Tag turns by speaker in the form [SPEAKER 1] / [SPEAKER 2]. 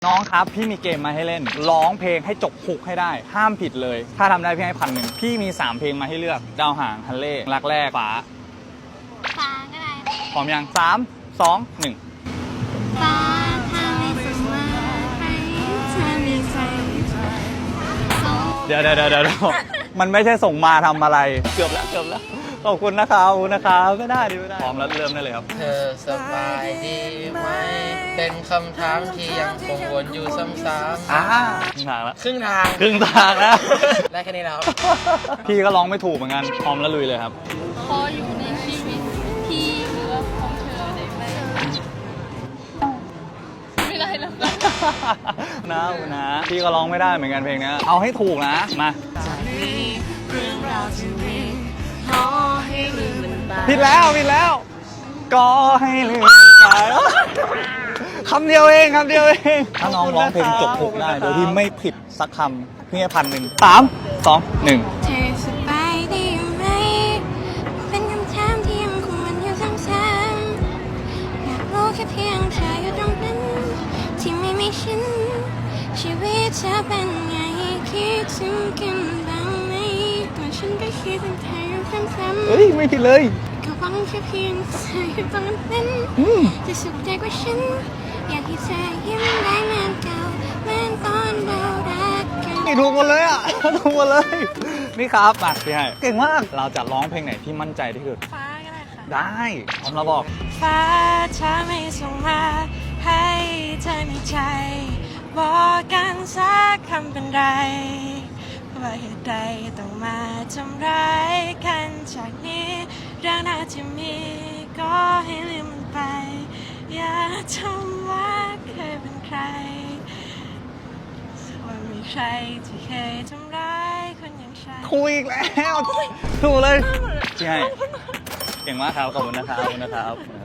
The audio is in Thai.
[SPEAKER 1] น้องครับพี่มีเกมมาให้เล่นร้องเพลงให้จบฮุกให้ได้ห้ามผิดเลยถ้าทำได้พี่ให้1,000พี่มี3เพลงมาให้เลือกดาวหางฮันเล่รักแรกฟ้า
[SPEAKER 2] ก็ได้
[SPEAKER 1] พร้อมยัง3 2 1
[SPEAKER 2] ฟ้าถ้าไม่สมมาให้เธอมีใจ
[SPEAKER 1] เดี๋ยวมันไม่ใช่ส่งมาทำอะไรเกือบแล้วขอบคุณนะครับไม่ได้พร้อมแล้วเริ่มได้เลยครับ
[SPEAKER 3] เธอสบายดีไหมเป็นคำถามที่ยังคงวนอยู่ซ้ำ
[SPEAKER 1] ครึ่งทางแล้ว
[SPEAKER 3] ครึ่งทาง
[SPEAKER 1] แล้ว
[SPEAKER 3] ได้แค่นี้แล้ว
[SPEAKER 1] พี่ก็ร้องไม่ถูกเหมือนกันพร้อมแล้วลุยเลยครับ
[SPEAKER 2] ขออยู่ในชีวิตที่เหลือของเธอได้ไหมไม่ได้แล้ว
[SPEAKER 1] นะพี่ก็ร้องไม่ได้เหมือนกันเพลงนี้เอาให้ถูกนะมาผิดแล้วก็ให้ลืมไปคำเดียวเองถ้าน้องร้องเพลงจบถูกได้โดยที่ไม่ผิดสักคำพี่ให้1,000 3 2 1
[SPEAKER 2] เธอสบายดีไหมเป็นคำถามที่ยังคงวนอยู่ซ้ำๆอยากรู้แค่เพียงเธออยู่ตรงนั้นที่ไม่มีฉันชีวิตจะเป็นไงคิดถึงกันบ้างไหมก่อนฉันก็คิดถึงเธออยู่ซ้ำๆ
[SPEAKER 1] เฮ้ยไม่ผิดเลย
[SPEAKER 2] ก็หวังแค่เพียงเธออยู่ตรงนั้นจะสุขใจกว่าฉันอยากให้เธอยิ้มได้เหมือนเก่าเหมือนตอนเรารักกัน
[SPEAKER 1] ถูกหมดเลยถูกหมดเลยนี่ครับมาพี่ให้เก่งมากเราจะร้องเพลงไหนที่มั่นใจที่สุด
[SPEAKER 2] ฟ้าก็ได้ค่ะ
[SPEAKER 1] ได้พร้อมแล้วบอก
[SPEAKER 2] ฟ้าถ้าไม่ส่งมาให้เธอในใจบอกกันสักคำเป็นไรว่าเหตุใดต้องมาทำร้ายกันจากนี้เรื่องน่าจะมีก็ให้ลืมมันไปอย่าทำว่าเคยเป็นใครว่ามีใครที่เคยทำร้ายคนอย่างฉัน
[SPEAKER 1] คุยอีกแล้วถูกเลยใช่เก่งมากครับขอบคุณนะครับ